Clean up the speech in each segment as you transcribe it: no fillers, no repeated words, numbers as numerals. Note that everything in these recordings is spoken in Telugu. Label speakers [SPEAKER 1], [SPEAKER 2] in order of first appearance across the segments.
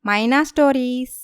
[SPEAKER 1] మైనా స్టోరీస్.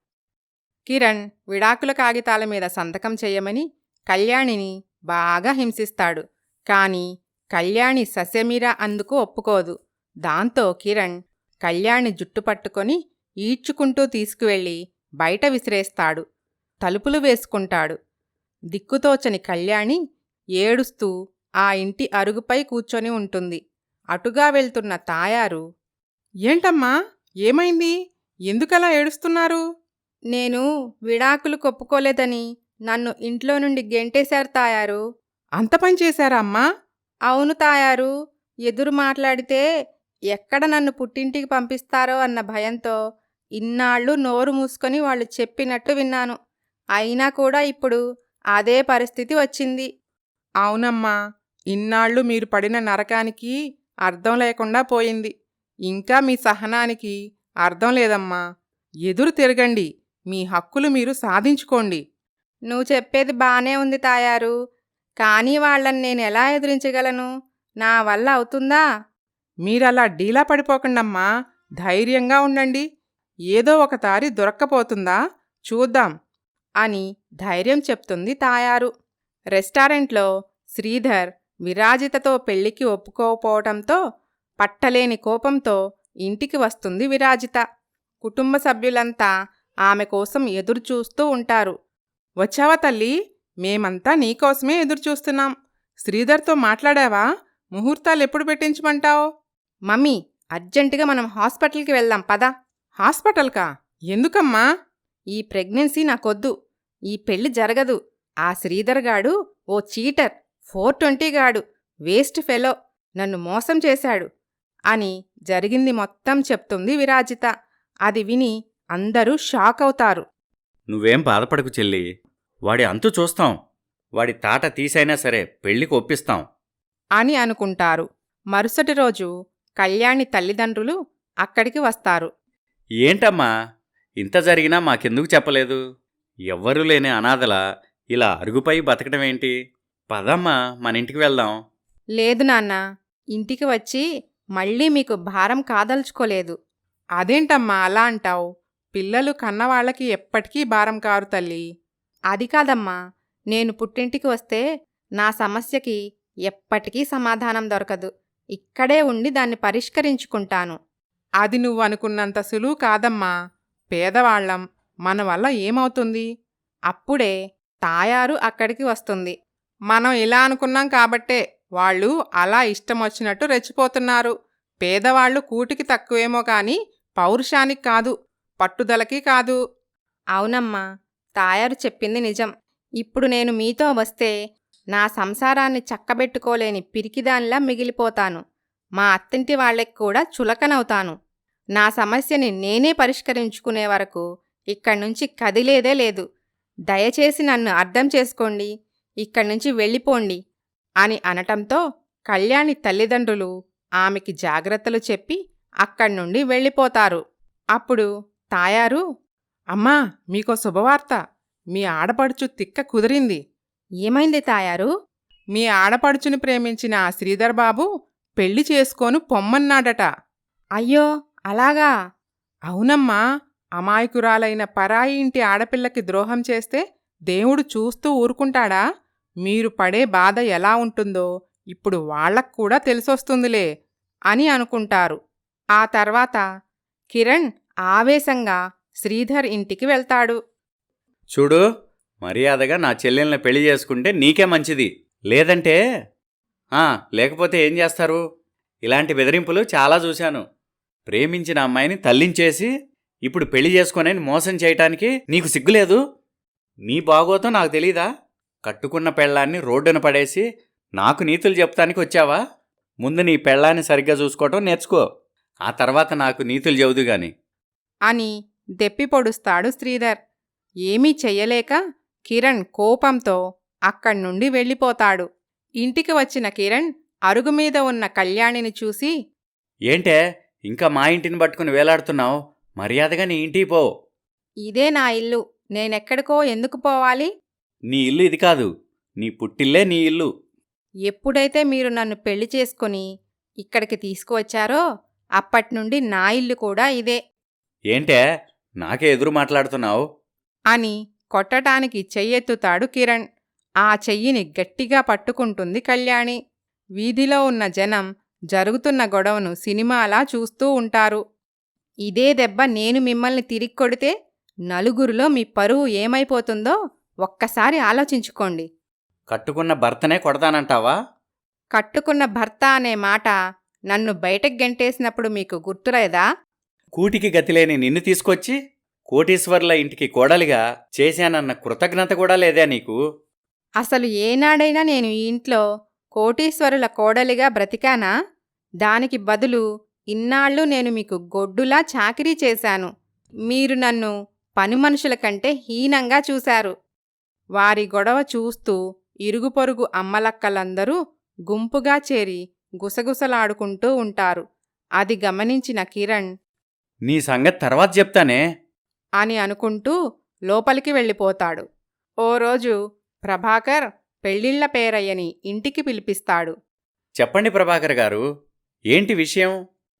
[SPEAKER 2] కిరణ్ విడాకుల కాగితాల మీద సంతకం చెయ్యమని కళ్యాణిని బాగా హింసిస్తాడు. కాని కళ్యాణి ససేమిరా అందుకు ఒప్పుకోదు. దాంతో కిరణ్ కళ్యాణి జుట్టు పట్టుకొని ఈడ్చుకుంటూ తీసుకువెళ్ళి బయట విసిరేస్తాడు. తలుపులు వేసుకుంటాడు. దిక్కుతోచని కళ్యాణి ఏడుస్తూ ఆ ఇంటి అరుగుపై కూర్చొని ఉంటుంది. అటుగా వెళ్తున్న తాయారు, "ఏంటమ్మా, ఏమైంది? ఎందుకలా ఏడుస్తున్నారు?"
[SPEAKER 1] నేను విడాకులు కొప్పుకోలేదని నన్ను ఇంట్లో నుండి గెంటేశారు తాయారు.
[SPEAKER 2] "అంత పని చేశారా అమ్మా?"
[SPEAKER 1] అవును తాయారు. ఎదురు మాట్లాడితే ఎక్కడ నన్ను పుట్టింటికి పంపిస్తారో అన్న భయంతో ఇన్నాళ్ళు నోరు మూసుకొని వాళ్ళు చెప్పినట్టు విన్నాను. అయినా కూడా ఇప్పుడు అదే పరిస్థితి వచ్చింది.
[SPEAKER 2] "అవునమ్మా, ఇన్నాళ్ళు మీరు పడిన నరకానికి అర్థం లేకుండా పోయింది. ఇంకా మీ సహనానికి అర్థం లేదమ్మా. ఎదురు తిరగండి, మీ హక్కులు మీరు సాధించుకోండి."
[SPEAKER 1] నువ్వు చెప్పేది బానే ఉంది తాయారు. కానీ వాళ్ళని నేనెలా ఎదిరించగలను? నా వల్ల అవుతుందా?
[SPEAKER 2] మీరలా డీలా పడిపోకండమ్మా, ధైర్యంగా ఉండండి. ఏదో ఒక దారి దొరక్కపోతుందా చూద్దాం అని ధైర్యం చెప్తుంది తాయారు. రెస్టారెంట్లో శ్రీధర్ విరాజితతో పెళ్లికి ఒప్పుకోకపోవటంతో పట్టలేని కోపంతో ఇంటికి వస్తుంది విరాజిత. కుటుంబ సభ్యులంతా ఆమె కోసం ఎదురుచూస్తూ ఉంటారు. "వచ్చావా తల్లి? మేమంతా నీకోసమే ఎదురుచూస్తున్నాం. శ్రీధర్తో మాట్లాడావా? ముహూర్తాలెప్పుడు పెట్టించమంటావు?"
[SPEAKER 1] మమ్మీ, అర్జెంటుగా మనం హాస్పిటల్కి వెళ్దాం పద.
[SPEAKER 2] "హాస్పిటల్కా? ఎందుకమ్మా?"
[SPEAKER 1] ఈ ప్రెగ్నెన్సీ నాకొద్దు. ఈ పెళ్లి జరగదు. ఆ శ్రీధర్ గాడు ఓ చీటర్, 420 గాడు, వేస్ట్ ఫెలో, నన్ను మోసం చేశాడు అని జరిగింది మొత్తం చెప్తుంది విరాజిత. అది విని అందరూ షాక్ అవుతారు.
[SPEAKER 3] "నువ్వేం బాధపడకు చెల్లి, వాడి అంతు చూస్తాం. వాడి తాట తీసైనా సరే పెళ్లికి ఒప్పిస్తాం."
[SPEAKER 2] అని అనుకుంటారు. మరుసటి రోజు కళ్యాణి తల్లిదండ్రులు అక్కడికి వస్తారు.
[SPEAKER 3] "ఏంటమ్మా, ఇంత జరిగినా మాకెందుకు చెప్పలేదు? ఎవ్వరూ లేని అనాథలా ఇలా అరుగుపై బతకడమేంటి? పదమ్మా, మన ఇంటికి వెళ్దాం."
[SPEAKER 1] లేదు నాన్న, ఇంటికి వచ్చి మళ్ళీ మీకు భారం కాదలుచుకోలేదు.
[SPEAKER 2] "అదేంటమ్మా అలా అంటావు? పిల్లలు కన్నవాళ్లకి ఎప్పటికీ భారం కారు తల్లి."
[SPEAKER 1] అది కాదమ్మా, నేను పుట్టింటికి వస్తే నా సమస్యకి ఎప్పటికీ సమాధానం దొరకదు. ఇక్కడే ఉండి దాన్ని పరిష్కరించుకుంటాను.
[SPEAKER 2] "అది నువ్వనుకున్నంత సులువు కాదమ్మా. పేదవాళ్లం, మన వల్ల ఏమవుతుంది?" అప్పుడే తాయారు అక్కడికి వస్తుంది. "మనం ఇలా అనుకున్నాం కాబట్టే వాళ్ళు అలా ఇష్టమొచ్చినట్టు రెచ్చిపోతున్నారు. పేదవాళ్లు కూటికి తక్కువేమో కాని పౌరుషానికి కాదు, పట్టుదలకి కాదు."
[SPEAKER 1] అవునమ్మా, తాయారు చెప్పింది నిజం. ఇప్పుడు నేను మీతో వస్తే నా సంసారాన్ని చక్కబెట్టుకోలేని పిరికిదానిలా మిగిలిపోతాను. మా అత్తింటి వాళ్ళకి కూడా చులకనవుతాను. నా సమస్యని నేనే పరిష్కరించుకునే వరకు ఇక్కడ్నుంచి కదిలేదే లేదు. దయచేసి నన్ను అర్థం చేసుకోండి, ఇక్కడ్నుంచి వెళ్ళిపోండి అని అనటంతో కళ్యాణి తల్లిదండ్రులు ఆమెకి జాగ్రత్తలు చెప్పి అక్కడ్నుండి వెళ్ళిపోతారు. అప్పుడు తాయారు,
[SPEAKER 2] "అమ్మా, మీకో శుభవార్త. మీ ఆడపడుచు తిక్క కుదిరింది.
[SPEAKER 1] ఏమైంది తాయారు?
[SPEAKER 2] మీ ఆడపడుచుని ప్రేమించిన ఆ శ్రీధర్ బాబు పెళ్లి చేసుకోను పొమ్మన్నాడట."
[SPEAKER 1] అయ్యో, అలాగా?
[SPEAKER 2] "అవునమ్మా, అమాయకురాలైన పరాయి ఇంటి ఆడపిల్లకి ద్రోహం చేస్తే దేవుడు చూస్తూ ఊరుకుంటాడా? మీరు పడే బాధ ఎలా ఉంటుందో ఇప్పుడు వాళ్లక్కూడా తెలిసొస్తుందిలే" అని అనుకుంటారు. ఆ తర్వాత కిరణ్ ఆవేశంగా శ్రీధర్ ఇంటికి వెళ్తాడు.
[SPEAKER 3] "చూడు, మర్యాదగా నా చెల్లెల్ని పెళ్లి చేసుకుంటే నీకే మంచిది. లేదంటే లేకపోతే ఏం చేస్తారు? ఇలాంటి బెదిరింపులు చాలా చూశాను. ప్రేమించిన అమ్మాయిని తల్లించేసి ఇప్పుడు పెళ్లి చేసుకోనని మోసం చేయటానికి నీకు సిగ్గులేదు? నీ బాగోతం నాకు తెలీదా? కట్టుకున్న పెళ్ళాన్ని రోడ్డున పడేసి నాకు నీతులు చెప్తానికి వచ్చావా? ముందు నీ పెళ్ళాన్ని సరిగ్గా చూసుకోవటం నేర్చుకో. ఆ తర్వాత నాకు నీతులు చెబుదు గాని"
[SPEAKER 2] అని దెప్పి పొడుస్తాడు శ్రీధర్. ఏమీ చెయ్యలేక కిరణ్ కోపంతో అక్కడ్నుండి వెళ్ళిపోతాడు. ఇంటికి వచ్చిన కిరణ్ అరుగుమీద ఉన్న కళ్యాణిని చూసి,
[SPEAKER 3] "ఏంటే ఇంకా మా ఇంటిని పట్టుకుని వేలాడుతున్నావు? మర్యాదగా నీ ఇంటికి పో."
[SPEAKER 1] ఇదే నా ఇల్లు. నేనెక్కడికో ఎందుకు పోవాలి?
[SPEAKER 3] "నీ ఇల్లు ఇది కాదు, నీ పుట్టిల్లే నీ ఇల్లు."
[SPEAKER 1] ఎప్పుడైతే మీరు నన్ను పెళ్లి చేసుకుని ఇక్కడికి తీసుకువచ్చారో అప్పట్నుండి నా ఇల్లు కూడా ఇదే.
[SPEAKER 3] ఏంటే నాకే ఎదురు మాట్లాడుతున్నావు?
[SPEAKER 1] అని కొట్టటానికి చెయ్యెత్తుతాడు కిరణ్. ఆ చెయ్యిని గట్టిగా పట్టుకుంటుంది కళ్యాణి. వీధిలో ఉన్న జనం జరుగుతున్న గొడవను సినిమాలా చూస్తూ ఉంటారు. ఇదే దెబ్బ నేను మిమ్మల్ని తిరిగి కొడితే నలుగురిలో మీ పరువు ఏమైపోతుందో ఒక్కసారి ఆలోచించుకోండి.
[SPEAKER 3] కట్టుకున్న భర్తనే కొడతానంటావా?
[SPEAKER 1] కట్టుకున్న భర్త అనే మాట నన్ను బయటకు గెంటేసినప్పుడు మీకు గుర్తులేదా?
[SPEAKER 3] కూటికి గతిలేని నిన్ను తీసుకొచ్చి కోటీశ్వర్ల ఇంటికి కోడలిగా చేశానన్న కృతజ్ఞత కూడా లేదా నీకు?
[SPEAKER 1] అసలు ఏనాడైనా నేను ఈ ఇంట్లో కోటీశ్వరుల కోడలిగా బ్రతికానా? దానికి బదులు ఇన్నాళ్ళు నేను మీకు గొడ్డులా చాకిరీ చేశాను. మీరు నన్ను పనిమనుషుల కంటే హీనంగా చూశారు. వారి గొడవ చూస్తూ ఇరుగుపొరుగు అమ్మలక్కలందరూ గుంపుగా చేరి గుసగుసలాడుకుంటూ ఉంటారు. అది గమనించిన కిరణ్
[SPEAKER 3] నీ సంగతి తర్వాత చెప్తానే
[SPEAKER 1] అని అనుకుంటూ లోపలికి వెళ్ళిపోతాడు. ఓ రోజు ప్రభాకర్ పెళ్ళిళ్ళ పేరయ్యని ఇంటికి పిలిపిస్తాడు.
[SPEAKER 3] చెప్పండి ప్రభాకర్ గారు, ఏంటి విషయం?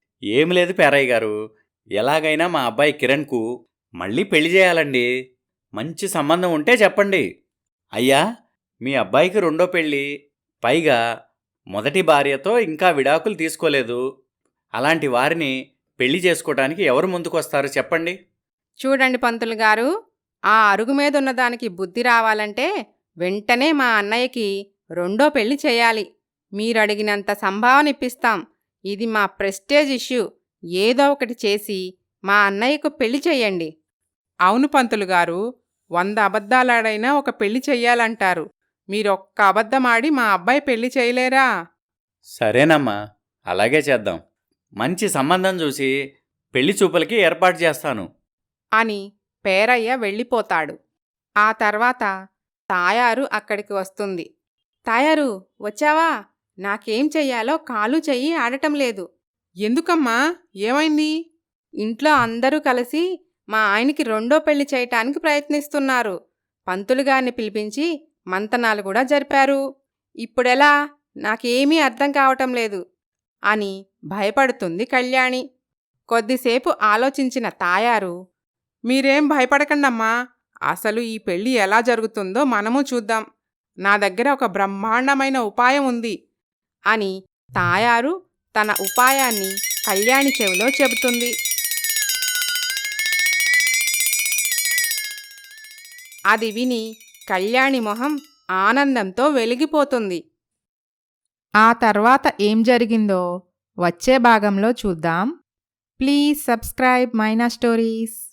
[SPEAKER 3] ఏం లేదు పేరయ్య గారు, ఎలాగైనా మా అబ్బాయి కిరణ్కు మళ్ళీ పెళ్లి చేయాలండి. మంచి సంబంధం ఉంటే చెప్పండి. అయ్యా, మీ అబ్బాయికి రెండో పెళ్ళి, పైగా మొదటి భార్యతో ఇంకా విడాకులు తీసుకోలేదు. అలాంటి వారిని పెళ్లి చేసుకోవడానికి ఎవరు ముందుకొస్తారు చెప్పండి?
[SPEAKER 1] చూడండి పంతులు గారు, ఆ అరుగు మీదున్నదానికి బుద్ధి రావాలంటే వెంటనే మా అన్నయ్యకి రెండో పెళ్లి చేయాలి. మీరడిగినంత సంభావన ఇప్పిస్తాం. ఇది మా ప్రెస్టేజ్ ఇష్యూ. ఏదో ఒకటి చేసి మా అన్నయ్యకు పెళ్లి చెయ్యండి.
[SPEAKER 2] అవును పంతులు గారు, 100 అబద్ధాలాడైనా ఒక పెళ్లి చెయ్యాలంటారు. మీరొక్క అబద్ధమాడి మా అబ్బాయి పెళ్లి చేయలేరా?
[SPEAKER 3] సరేనమ్మా, అలాగే చేద్దాం. మంచి సంబంధం చూసి పెళ్లి చూపులకి ఏర్పాటు చేస్తాను
[SPEAKER 1] అని పేరయ్య వెళ్ళిపోతాడు. ఆ తర్వాత తాయారు అక్కడికి వస్తుంది. తాయారు, వచ్చావా? నాకేం చెయ్యాలో కాలు చెయ్యి ఆడటం లేదు.
[SPEAKER 2] ఎందుకమ్మా, ఏమైంది?
[SPEAKER 1] ఇంట్లో అందరూ కలిసి మా ఆయనకి రెండో పెళ్లి చేయటానికి ప్రయత్నిస్తున్నారు. పంతులుగారిని పిలిపించి మంతనాలు కూడా జరిపారు. ఇప్పుడెలా? నాకేమీ అర్థం కావటం లేదు అని భయపడుతుంది కళ్యాణి. కొద్దిసేపు ఆలోచించిన తాయారు,
[SPEAKER 2] మీరేం భయపడకండమ్మా, అసలు ఈ పెళ్లి ఎలా జరుగుతుందో మనము చూద్దాం. నా దగ్గర ఒక బ్రహ్మాండమైన ఉపాయం ఉంది
[SPEAKER 1] అని తాయారు తన ఉపాయాన్ని కళ్యాణి చెవిలో చెబుతుంది. అది విని కళ్యాణి మొహం ఆనందంతో వెలిగిపోతుంది. ఆ తర్వాత ఏం జరిగిందో వచ్చే భాగంలో చూద్దాం. Please subscribe Myna stories.